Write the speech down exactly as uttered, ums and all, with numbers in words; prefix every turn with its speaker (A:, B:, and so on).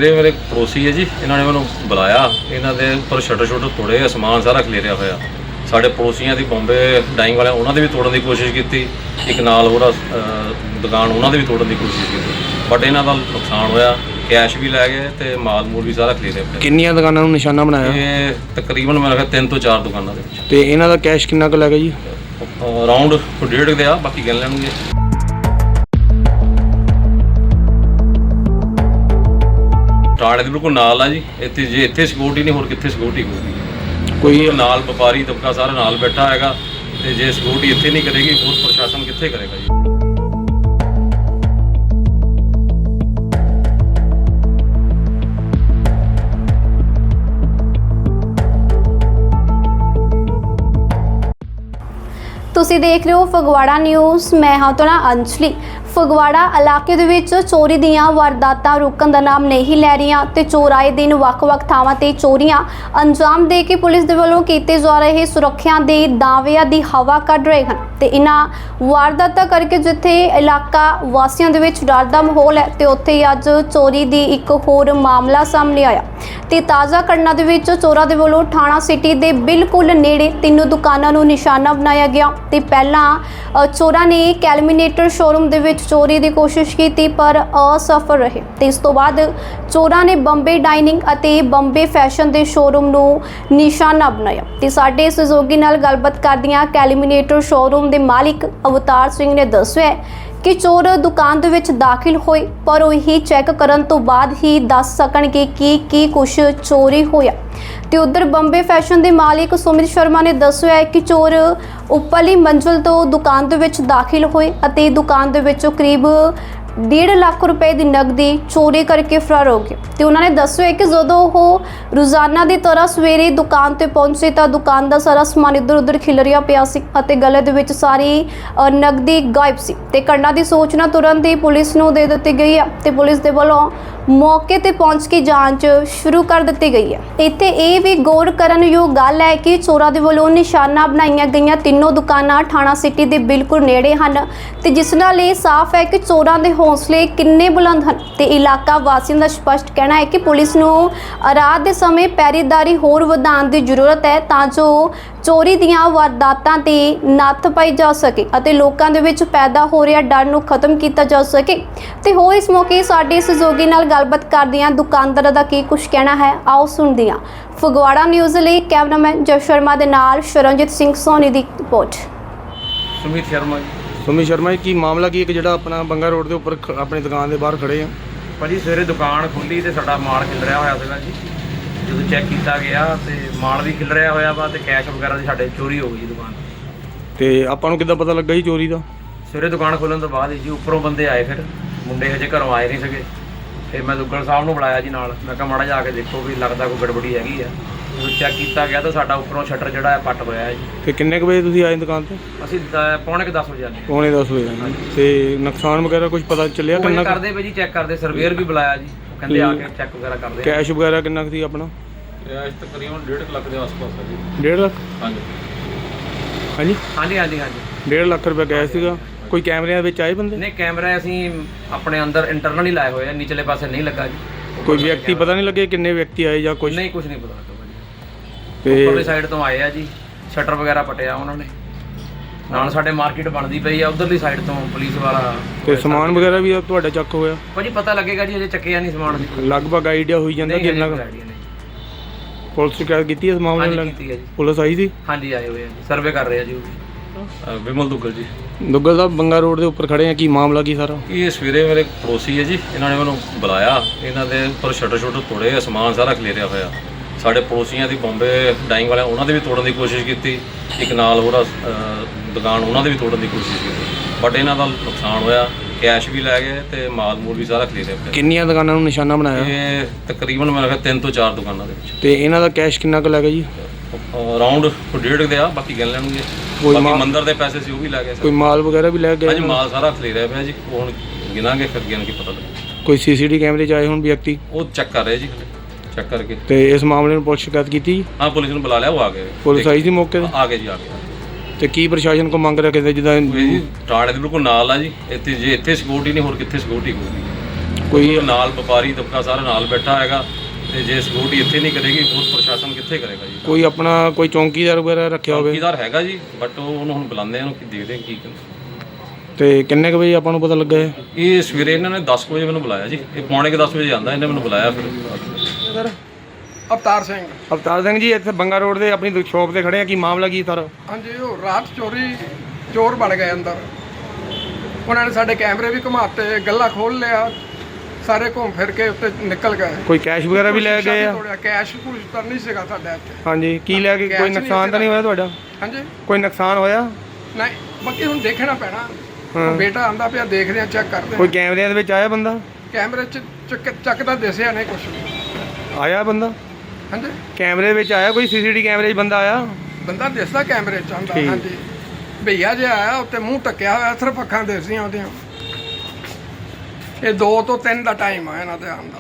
A: ਸਵੇਰੇ ਮੇਰੇ ਪੜੋਸੀ ਹੈ ਜੀ, ਇਹਨਾਂ ਨੇ ਮੈਨੂੰ ਬੁਲਾਇਆ। ਇਹਨਾਂ ਦੇ ਉੱਪਰ ਸ਼ਟਰ ਸ਼ਟਰ ਤੋੜੇ, ਸਮਾਨ ਸਾਰਾ ਖਲੇਰਿਆ ਹੋਇਆ। ਸਾਡੇ ਪੜੋਸੀਆਂ ਦੀ ਬੰਬੇ ਡਾਈਂਗ ਵਾਲਿਆਂ ਉਹਨਾਂ ਦੇ ਵੀ ਤੋੜਨ ਦੀ ਕੋਸ਼ਿਸ਼ ਕੀਤੀ। ਇੱਕ ਨਾਲ ਹੋਰ ਦੁਕਾਨ ਉਹਨਾਂ ਦੇ ਵੀ ਤੋੜਨ ਦੀ ਕੋਸ਼ਿਸ਼ ਕੀਤੀ, ਬਟ ਇਹਨਾਂ ਦਾ ਨੁਕਸਾਨ ਹੋਇਆ। ਕੈਸ਼ ਵੀ ਲੈ ਗਏ ਤੇ ਮਾਲ ਮੂਲ ਵੀ ਸਾਰਾ ਖਰੀਦਿਆ ਪਿਆ।
B: ਕਿੰਨੀਆਂ ਦੁਕਾਨਾਂ ਨੂੰ ਨਿਸ਼ਾਨਾ ਬਣਾਇਆ?
A: ਇਹ ਤਕਰੀਬਨ ਮੇਰੇ ਖਿਆਲ ਤਿੰਨ ਤੋਂ ਚਾਰ ਦੁਕਾਨਾਂ ਦੇ ਵਿੱਚ।
B: ਤੇ ਇਹਨਾਂ ਦਾ ਕੈਸ਼ ਕਿੰਨਾ ਕੁ ਲੱਗਾ ਜੀ?
A: ਅਰਾਊਂਡ ਡੇਢ ਦੇ ਆ, ਬਾਕੀ ਗਿਣ ਲੈਣਗੇ। ਟਾੜੇ ਦੇ ਬਿਲਕੁਲ ਨਾਲ ਆ ਜੀ। ਇੱਥੇ ਜੇ ਇੱਥੇ ਸਿਕਿਉਰਿਟੀ ਨਹੀਂ, ਹੋਰ ਕਿੱਥੇ ਸਿਕਿਉਰਿਟੀ ਹੋਊਗੀ? ਕੋਈ ਨਾਲ ਵਪਾਰੀ ਤਬਕਾ ਸਾਰਾ ਨਾਲ ਬੈਠਾ ਹੈਗਾ, ਤੇ ਜੇ ਸਿਕਿਉਰਿਟੀ ਇੱਥੇ ਨਹੀਂ ਕਰੇਗੀ, ਹੋਰ ਪ੍ਰਸ਼ਾਸਨ ਕਿੱਥੇ ਕਰੇਗਾ ਜੀ?
C: ਤੁਸੀਂ ਦੇਖ ਰਹੇ ਹੋ ਫਗਵਾੜਾ ਨਿਊਜ਼। ਮੈਂ ਹਾਂ ਤੁਹਾਡਾ ਅੰਜਲੀ। ਫਗਵਾੜਾ ਇਲਾਕੇ ਦੇ ਵਿੱਚ ਚੋਰੀ ਦੀਆਂ ਵਾਰਦਾਤਾਂ ਰੁਕਣ ਦਾ ਨਾਮ ਨਹੀਂ ਲੈ ਰਹੀਆਂ ਤੇ ਚੋਰ ਆਏ ਦਿਨ ਵੱਖ-ਵੱਖ ਥਾਵਾਂ ਤੇ ਚੋਰੀਆਂ ਅੰਜਾਮ ਦੇ ਕੇ ਪੁਲਿਸ ਦੇ ਵੱਲੋਂ ਕੀਤੇ ਜਾ ਰਹੇ ਸੁਰੱਖਿਆ ਦੇ ਦਾਅਵਿਆਂ ਦੀ ਹਵਾ ਕੱਢ ਰਹੇ ਹਨ। ਤੇ ਇਹਨਾਂ ਵਾਰਦਾਤਾਂ ਕਰਕੇ ਜਿੱਥੇ ਇਲਾਕਾ ਵਾਸੀਆਂ ਦੇ ਵਿੱਚ ਡਰ ਦਾ ਮਾਹੌਲ ਹੈ, ਤੇ ਉੱਥੇ ਹੀ ਅੱਜ ਚੋਰੀ ਦੀ ਇੱਕ ਹੋਰ ਮਾਮਲਾ ਸਾਹਮਣੇ ਆਇਆ। ਤੇ ਤਾਜ਼ਾ ਘਟਨਾ ਦੇ ਵਿੱਚ ਚੋਰਾਂ ਦੇ ਵੱਲੋਂ ਥਾਣਾ ਸਿਟੀ ਦੇ ਬਿਲਕੁਲ ਨੇੜੇ ਤਿੰਨ ਦੁਕਾਨਾਂ ਨੂੰ ਨਿਸ਼ਾਨਾ ਬਣਾਇਆ ਗਿਆ। ਤੇ ਪਹਿਲਾਂ ਚੋਰਾਂ ਨੇ ਕੈਲਮੀਨੇਟਰ ਸ਼ੋਰੂਮ ਦੇ ਵਿੱਚ ਚੋਰੀ ਦੀ ਕੋਸ਼ਿਸ਼ ਕੀਤੀ, ਪਰ ਅਸਫਲ ਰਹੇ। ਤੇ ਇਸ ਤੋਂ ਬਾਅਦ ਚੋਰਾਂ ਨੇ ਬੰਬੇ ਡਾਈਨਿੰਗ ਅਤੇ ਬੰਬੇ ਫੈਸ਼ਨ ਦੇ ਸ਼ੋਰੂਮ ਨੂੰ ਨਿਸ਼ਾਨਾ ਬਣਾਇਆ। ਤੇ ਸਾਡੇ ਸਹਿਯੋਗੀ ਨਾਲ ਗੱਲਬਾਤ ਕਰਦਿਆਂ ਕੈਲਮੀਨੇਟਰ ਸ਼ੋਰੂਮ ਦੇ ਮਾਲਿਕ ਅਵਤਾਰ ਸਿੰਘ ਨੇ ਦੱਸਿਆ ਕਿ ਚੋਰ ਦੁਕਾਨ ਦੇ ਵਿੱਚ ਦਾਖਲ ਹੋਏ, ਪਰ ਉਹ ਹੀ ਚੈੱਕ ਕਰਨ ਤੋਂ ਬਾਅਦ ਹੀ ਦੱਸ ਸਕਣਗੇ ਕਿ ਕੀ ਕੁਛ ਚੋਰੀ ਹੋਇਆ। ਤੇ ਉਧਰ ਬੰਬੇ ਫੈਸ਼ਨ ਦੇ ਮਾਲਿਕ ਸੁਮਿਤ ਸ਼ਰਮਾ ਨੇ ਦੱਸਿਆ ਕਿ ਚੋਰ ਉੱਪਰਲੀ ਮੰਜ਼ਿਲ ਤੋਂ ਦੁਕਾਨ ਦੇ ਵਿੱਚ ਦਾਖਲ ਹੋਏ ਅਤੇ ਦੁਕਾਨ ਦੇ ਵਿੱਚੋਂ ਕਰੀਬ ਡੇਢ ਲੱਖ ਰੁਪਏ ਦੀ ਨਕਦੀ ਚੋਰੀ ਕਰਕੇ ਫਰਾਰ ਹੋ ਗਏ। ਤੇ ਉਹਨਾਂ ਨੇ ਦੱਸਿਆ ਕਿ ਜਦੋਂ ਉਹ ਰੋਜ਼ਾਨਾ ਦੀ ਤਰ੍ਹਾਂ ਸਵੇਰੇ ਦੁਕਾਨ ਤੇ ਪਹੁੰਚੇ ਤਾਂ ਦੁਕਾਨ ਦਾ ਸਾਰਾ ਸਮਾਨ ਇੱਧਰ ਉੱਧਰ ਖਿਲਰਿਆ ਪਿਆ ਸੀ ਅਤੇ ਗਲੇ ਦੇ ਵਿੱਚ ਸਾਰੀ ਨਕਦੀ ਗਾਇਬ ਸੀ। ਤੇ ਘਟਨਾ ਦੀ ਸੂਚਨਾ ਤੁਰੰਤ ਹੀ ਪੁਲਿਸ ਨੂੰ ਦੇ ਦਿੱਤੀ ਗਈ ਹੈ ਤੇ ਪੁਲਿਸ ਦੇ ਵੱਲੋਂ ਮੌਕੇ ਤੇ ਪਹੁੰਚ ਕੇ ਜਾਂਚ ਸ਼ੁਰੂ ਕਰ ਦਿੱਤੀ ਗਈ ਹੈ। ਇੱਥੇ ਇਹ ਵੀ ਗੌਰ ਕਰਨ ਯੋਗ ਗੱਲ ਹੈ ਕਿ ਚੋਰਾਂ ਦੇ ਵੱਲੋਂ ਨਿਸ਼ਾਨਾ ਬਣਾਈਆਂ ਗਈਆਂ ਤਿੰਨੋਂ ਦੁਕਾਨਾਂ ਥਾਣਾ ਸਿਟੀ ਦੇ ਬਿਲਕੁਲ ਨੇੜੇ ਹਨ, ਤੇ ਜਿਸ ਨਾਲ ਇਹ ਸਾਫ਼ ਹੈ ਕਿ ਚੋਰਾਂ ਦੇ ਹੌਸਲੇ ਕਿੰਨੇ ਬੁਲੰਦ ਹਨ। ਤੇ ਇਲਾਕਾ ਵਾਸੀਆਂ ਦਾ ਸਪਸ਼ਟ ਕਹਿਣਾ ਹੈ ਕਿ ਪੁਲਿਸ ਨੂੰ ਰਾਤ ਦੇ ਸਮੇਂ ਪਹਿਰੇਦਾਰੀ ਹੋਰ ਵਧਾਉਣ ਦੀ ਜ਼ਰੂਰਤ ਹੈ, ਤਾਂ ਜੋ ਚੋਰੀ ਦੀਆਂ ਵਾਰਦਾਤਾਂ ਤੇ ਨੱਥ ਪਾਈ ਜਾ ਸਕੇ ਅਤੇ ਲੋਕਾਂ ਦੇ ਵਿੱਚ ਪੈਦਾ ਹੋ ਰਿਹਾ ਡਰ ਨੂੰ ਖਤਮ ਕੀਤਾ ਜਾ ਸਕੇ। ਤੇ ਹੋਰ ਇਸ ਮੌਕੇ ਸਾਡੇ ਸਹਿਯੋਗੀ ਨਾਲ ਗੱਲਬਾਤ ਕਰਦਿਆਂ ਦੁਕਾਨਦਾਰਾਂ ਦਾ ਕੀ ਕੁਝ ਕਹਿਣਾ ਹੈ, ਆਓ ਸੁਣਦੇ ਹਾਂ। ਫਗਵਾੜਾ ਨਿਊਜ਼ ਲਈ ਕੈਮਰਾਮੈਨ ਜੈ ਸ਼ਰਮਾ ਦੇ ਨਾਲ ਸ਼ਰਨਜੀਤ ਸਿੰਘ ਸੋਨੀ ਦੀ ਰਿਪੋਰਟ।
A: ਸੁਮਿਤ ਸ਼ਰਮਾ ਜੀ।
B: ਸੁਮਿਤ ਸ਼ਰਮਾ ਜੀ, ਕੀ ਮਾਮਲਾ ਕੀ ਇੱਕ ਜਿਹੜਾ ਆਪਣਾ ਬੰਗਾ ਰੋਡ ਦੇ ਉੱਪਰ ਖ- ਆਪਣੀ ਦੁਕਾਨ ਦੇ ਬਾਹਰ ਖੜੇ ਆ?
A: ਭਾਜੀ ਸਵੇਰੇ ਦੁਕਾਨ ਖੁੱਲੀ ਤੇ ਸਾਡਾ ਮਾਲ ਖਿਲਰਿਆ ਹੋਇਆ ਸੀਗਾ ਜੀ। ਜਦੋਂ ਚੈੱਕ ਕੀਤਾ ਗਿਆ ਤੇ ਮਾਲ ਵੀ ਖਿਲਰਿਆ ਹੋਇਆ ਵਾ ਤੇ ਕੈਸ਼ ਵਗੈਰਾ ਦੀ ਸਾਡੇ ਚੋਰੀ ਹੋ ਗਈ ਜੀ ਦੁਕਾਨ।
B: ਤੇ ਆਪਾਂ ਨੂੰ ਕਿੱਦਾਂ ਪਤਾ ਲੱਗਾ ਜੀ ਚੋਰੀ ਦਾ?
A: ਸਵੇਰੇ ਦੁਕਾਨ ਖੋਲ੍ਹਣ ਤੋਂ ਬਾਅਦ ਜੀ ਉੱਪਰੋਂ ਬੰਦੇ ਆਏ, ਫਿਰ ਮੁੰਡੇ ਹਜੇ ਘਰੋਂ ਆਏ ਨਹੀਂ ਸੀਗੇ। ਫਿਰ ਮੈਂ ਦੁੱਗਲ ਸਾਹਿਬ ਨੂੰ ਬੁਲਾਇਆ ਜੀ ਨਾਲ। ਮੈਂ ਕਿਹਾ ਮਾੜਾ ਜਾ ਕੇ ਦੇਖੋ ਵੀ ਲੱਗਦਾ ਕੋਈ ਗੜਬੜੀ ਹੈਗੀ ਆ। ਜਦੋਂ ਚੈੱਕ ਕੀਤਾ ਗਿਆ ਤਾਂ ਸਾਡਾ ਉੱਪਰੋਂ ਸ਼ਟਰ ਜਿਹੜਾ ਹੈ ਪੱਟ ਹੋਇਆ ਹੈ ਜੀ।
B: ਤੇ ਕਿੰਨੇ ਕੁ ਵਜੇ ਤੁਸੀਂ ਆਏ ਦੁਕਾਨ ਤੇ?
A: ਅਸੀਂ ਦ- ਪੌਣੇ ਕੁ ਦਸ ਵਜੇ ਆਏ।
B: ਪੌਣੇ ਦਸ ਵਜੇ ਆਏ। ਤੇ ਨੁਕਸਾਨ ਵਗੈਰਾ ਕੁਝ ਪਤਾ ਚੱਲਿਆ
A: ਉਹ
B: ਕਿੰਨਾ?
A: ਕਰਦੇ ਪਏ ਜੀ, ਚੈੱਕ ਕਰਦੇ। ਸਰਵੇਅਰ ਵੀ ਬੁਲਾਇਆ ਜੀ, ਉਹ ਕਹਿੰਦੇ ਆ ਕੇ ਚੈੱਕ ਵਗੈਰਾ ਕਰਦੇ ਆ।
B: ਕੈਸ਼ ਵਗੈਰਾ ਕਿੰਨਾ ਕੁ ਸੀ ਆਪਣਾ?
A: ਕੈਸ਼ ਤਕਰੀਬਨ ਡੇਢ ਲੱਖ ਦੇ ਆਸ-ਪਾਸ ਹੈ ਜੀ।
B: ਡੇਢ ਲੱਖ?
A: ਹਾਂਜੀ
B: ਹਾਂਜੀ
A: ਹਾਂਜੀ ਹਾਂਜੀ ਹਾਂਜੀ
B: ਡੇਢ ਲੱਖ ਰੁਪਏ ਕੈਸ਼ ਸੀਗਾ। ਕੋਈ ਕੈਮਰਿਆਂ ਵਿੱਚ ਆਏ ਬੰਦੇ?
A: ਨਹੀਂ, ਕੈਮਰਾ ਅਸੀਂ ਆਪਣੇ ਅੰਦਰ ਇੰਟਰਨਲ ਹੀ ਲਾਏ ਹੋਏ ਆ, ਨੀਚਲੇ ਪਾਸੇ ਨਹੀਂ ਲੱਗਾ ਜੀ।
B: ਕੋਈ ਵਿਅਕਤੀ ਪਤਾ ਨਹੀਂ ਲੱਗੇ ਕਿੰਨੇ ਵਿਅਕਤੀ ਆਏ ਜਾਂ ਕੁਝ?
A: ਨਹੀਂ, ਕੁਝ ਨਹੀਂ ਪਤਾ ਲੱਗਾ ਜੀ।
B: ਤੇ
A: ਉੱਪਰਲੀ ਸਾਈਡ ਤੋਂ ਆਏ ਆ ਜੀ, ਸ਼ਟਰ ਵਗੈਰਾ ਪਟਿਆ ਉਹਨਾਂ ਨੇ। ਨਾਲ ਸਾਡੇ ਮਾਰਕੀਟ ਬਣਦੀ ਪਈ ਆ, ਉਧਰਲੀ ਸਾਈਡ ਤੋਂ ਪੁਲਿਸ ਵਾਲਾ।
B: ਤੇ ਸਮਾਨ ਵਗੈਰਾ ਵੀ ਤੁਹਾਡਾ ਚੱਕ ਹੋਇਆ?
A: ਭਾਜੀ ਪਤਾ ਲੱਗੇਗਾ ਜੀ, ਅਜੇ ਚੱਕਿਆ ਨਹੀਂ ਸਮਾਨ।
B: ਲਗਭਗ ਆਈਡੀਆ ਹੋਈ ਜਾਂਦਾ ਕਿੰਨਾ ਕੁ? ਪੁਲਿਸ ਸ਼ਿਕਾਇਤ ਕੀਤੀ ਇਸ ਮਾਮਲੇ ਨੂੰ?
A: ਕੀਤੀ ਹੈ ਜੀ।
B: ਪੁਲਿਸ ਆਈ ਸੀ?
A: ਹਾਂਜੀ ਆਏ ਹੋਏ ਆ ਜੀ, ਸਰਵੇ ਕਰ ਰਹੇ ਆ ਜੀ। ਵਿਮਲ ਦੁੱਗਲ ਜੀ।
B: ਦੁੱਗਲ ਸਾਹਿਬ, ਬੰਗਾ ਰੋਡ ਦੇ ਉੱਪਰ ਖੜੇ ਆ, ਕੀ ਮਾਮਲਾ ਕੀ ਸਾਰਾ?
A: ਇਹ ਸਵੇਰੇ ਮੇਰੇ ਪੜੋਸੀ ਹੈ ਜੀ, ਇਹਨਾਂ ਨੇ ਮੈਨੂੰ ਬੁਲਾਇਆ। ਇਹਨਾਂ ਦੇ ਉੱਪਰ ਸ਼ਟਰ ਸ਼ਟਰ ਤੋੜੇ, ਸਮਾਨ ਸਾਰਾ ਖਲੇਰਿਆ ਹੋਇਆ। ਸਾਡੇ ਪੜੋਸੀਆਂ ਦੀ ਬੰਬੇ ਡਾਈਂਗ ਵਾਲਿਆਂ ਉਹਨਾਂ ਦੇ ਵੀ ਤੋੜਨ ਦੀ ਕੋਸ਼ਿਸ਼ ਕੀਤੀ। ਇੱਕ ਨਾਲ ਹੋਰ ਦੁਕਾਨ ਉਹਨਾਂ ਦੇ ਵੀ ਤੋੜਨ ਦੀ ਕੋਸ਼ਿਸ਼ ਕੀਤੀ, ਬਟ ਇਹਨਾਂ ਦਾ ਨੁਕਸਾਨ ਹੋਇਆ। ਕੈਸ਼ ਵੀ ਲੈ ਗਏ ਤੇ ਮਾਲ ਮੂਲ ਵੀ ਸਾਰਾ ਖਰੀਦਿਆ ਪਿਆ।
B: ਕਿੰਨੀਆਂ ਦੁਕਾਨਾਂ ਨੂੰ ਨਿਸ਼ਾਨਾ ਬਣਾਇਆ?
A: ਇਹ ਤਕਰੀਬਨ ਮੇਰੇ ਖਿਆਲ ਤਿੰਨ ਤੋਂ ਚਾਰ ਦੁਕਾਨਾਂ ਦੇ ਵਿੱਚ।
B: ਤੇ ਇਹਨਾਂ ਦਾ ਕੈਸ਼ ਕਿੰਨਾ ਕੁ ਲੱਗਾ ਜੀ?
A: ਅਰਾਊਂਡ ਡੇਢ ਦੇ ਆ, ਬਾਕੀ ਗਿਣ ਲੈਣਗੇ।
B: ਕੋਈ
A: ਬਾਕੀ
B: ਮਾਲ-
A: ਮੰਦਰ ਦੇ ਪੈਸੇ ਸੀ ਉਹ ਵੀ ਲੈ ਗਏ
B: ਕੋਈ ਮਾਲ ਵਗੈਰਾ ਵੀ ਲੈ ਗਏ?
A: ਹਾਂਜੀ, ਮਾਲ ਸਾਰਾ ਖਰੀਦਿਆ ਪਿਆ ਜੀ। ਉਹ ਹੁਣ ਗਿਣਾਂਗੇ, ਫਿਰ ਗਿਣ ਕੇ ਪਤਾ ਲੱਗੇ।
B: ਕੋਈ ਸੀਸੀਟੀ ਕੈਮਰੇ 'ਚ ਆਏ ਹੁਣ ਵਿਅਕਤੀ?
A: ਉਹ ਚੈੱਕ ਕਰ ਰਹੇ ਜੀ, ਚੈੱਕ ਕਰਕੇ।
B: ਤੇ ਇਸ ਮਾਮਲੇ ਨੂੰ ਪੁਲਿਸ ਸ਼ਿਕਾਇਤ ਕੀਤੀ?
A: ਹਾਂ, ਪੁਲਿਸ ਨੂੰ ਬੁਲਾ ਲਿਆ, ਉਹ ਆ ਗਏ।
B: ਪੁਲਿਸ ਆਈ ਸੀ ਮੌਕੇ ਤੇ?
A: ਆ ਗਏ ਜੀ, ਆ ਗਏ।
B: ਤੇ ਕੀ ਪ੍ਰਸ਼ਾਸਨ ਕੋ ਮੰਗ ਰੱਖਦੇ ਜਿੱਦਾਂ?
A: ਜੀ ਟਾੜੇ ਦੇ ਬਿਲਕੁਲ ਨਾਲ ਆ ਜੀ। ਇੱਥੇ ਜੇ ਇੱਥੇ ਸਿਕਿਉਰਿਟੀ ਨਹੀਂ, ਹੋਰ ਕਿੱਥੇ ਸਿਕਿਉਰਿਟੀ ਹੋਊਗੀ?
B: ਕੋਈ
A: ਨਾਲ ਵਪਾਰੀ ਤਬਕਾ ਸਾਰਾ ਨਾਲ ਬੈਠਾ ਹੈਗਾ ਤੇ ਜੇ ਸਿਕਿਉਰਿਟੀ ਇੱਥੇ ਨਹੀਂ ਕਰੇਗੀ ਹੋਰ ਪ੍ਰਸ਼ਾਸਨ ਕਿੱਥੇ ਕਰੇਗਾ ਜੀ।
B: ਕੋਈ ਆਪਣਾ ਕੋਈ ਚੌਂਕੀਦਾਰ ਵਗੈਰਾ ਰੱਖਿਆ ਹੋਵੇ?
A: ਚੌਕੀਦਾਰ ਹੈਗਾ ਜੀ, ਬਟ ਉਹ ਉਹਨੂੰ ਹੁਣ ਬੁਲਾਉਂਦੇ ਆ, ਉਹਨੂੰ ਕੀ ਦੇਖਦੇ ਆ ਕੀ ਕਹਿੰਦੇ।
B: ਤੇ ਕਿੰਨੇ ਕੁ ਵਜੇ ਆਪਾਂ ਨੂੰ ਪਤਾ ਲੱਗਾ ਹੈ?
A: ਇਹ ਸਵੇਰੇ ਇਹਨਾਂ ਨੇ ਦਸ ਕੁ ਵਜੇ ਮੈਨੂੰ ਬੁਲਾਇਆ ਜੀ, ਇਹ ਪੌਣੇ ਕੁ ਦਸ ਵਜੇ ਆਉਂਦਾ, ਇਹਨੇ ਮੈਨੂੰ ਬੁਲਾਇਆ ਫਿਰ।
B: ਸਰ
D: ਅਵਤਾਰ ਸਿੰਘ।
B: ਅਵਤਾਰ ਸਿੰਘ ਜੀ, ਇੱਥੇ ਬੰਗਾ ਰੋਡ ਦੇ ਆਪਣੀ ਸ਼ਾਪ ਤੇ ਖੜੇ ਆ, ਕੀ ਮਾਮਲਾ ਕੀ ਸਰ?
D: ਹਾਂਜੀ, ਉਹ ਰਾਤ ਚੋਰੀ ਚੋਰ ਬਣ ਗਏ ਅੰਦਰ, ਉਹਨਾਂ ਨੇ ਸਾਡੇ ਕੈਮਰੇ ਵੀ ਘੁਮਾਤੇ, ਗੱਲਾ ਖੋਲ ਲਿਆ, ਸਾਰੇ ਘੁੰਮ ਫਿਰ ਕੇ ਉੱਤੇ ਨਿਕਲ ਗਏ।
B: ਕੋਈ ਕੈਸ਼ ਵਗੈਰਾ ਵੀ ਲੈ ਗਏ ਆ?
D: ਤੋੜਿਆ, ਕੈਸ਼ ਕੁਝ ਤਾਂ ਨਹੀਂ ਸੀਗਾ ਸਾਡੇ ਇੱਥੇ।
B: ਹਾਂਜੀ, ਕੀ ਲੈ ਕੇ?
D: ਕੈਸ਼
B: ਕੋਈ
D: ਨਹੀਂ
B: ਨੁਕਸਾਨ ਤਾਂ ਨਹੀਂ ਹੋਇਆ ਤੁਹਾਡਾ?
D: ਹਾਂਜੀ,
B: ਕੋਈ ਨੁਕਸਾਨ ਹੋਇਆ?
D: ਨਹੀਂ, ਬਾਕੀ ਹੁਣ ਦੇਖਣਾ ਪੈਣਾ।
B: ਹਾਂ।
D: ਉਹ ਬੇਟਾ ਆਂਦਾ ਪਿਆ, ਦੇਖਦੇ ਆ, ਚੈੱਕ ਕਰਦੇ
B: ਕੋਈ
D: ਆ।
B: ਕੈਮਰਿਆਂ ਦੇ ਵਿੱਚ ਆਇਆ ਬੰਦਾ?
D: ਕੈਮਰੇ 'ਚ ਚੱਕ ਚੱਕਦਾ ਦਿਸਿਆ ਨਹੀਂ ਕੁਝ ਵੀ।
B: ਆਇਆ ਬੰਦਾ
D: ਹਾਂਜੀ,
B: ਕੈਮਰੇ ਵਿੱਚ ਆਇਆ? ਕੋਈ ਸੀਸੀਟੀ ਕੈਮਰੇ 'ਚ ਬੰਦਾ ਆਇਆ?
D: ਬੰਦਾ ਦਿਸਦਾ ਕੈਮਰੇ 'ਚ ਆਂਦਾ।
B: ਠੀਕ।
D: ਹਾਂਜੀ, ਭਈਆ ਜਿਹਾ ਆਇਆ, ਉੱਤੇ ਮੂੰਹ ਟੱਕਿਆ ਹੋਇਆ, ਸਿਰਫ ਅੱਖਾਂ ਦਿਸਦੀਆਂ ਉਹਦੀਆਂ। ਇਹ ਦੋ ਤੋਂ ਤਿੰਨ ਦਾ ਟਾਈਮ ਆ ਇਹਨਾਂ ਦੇ ਆਉਣ ਦਾ।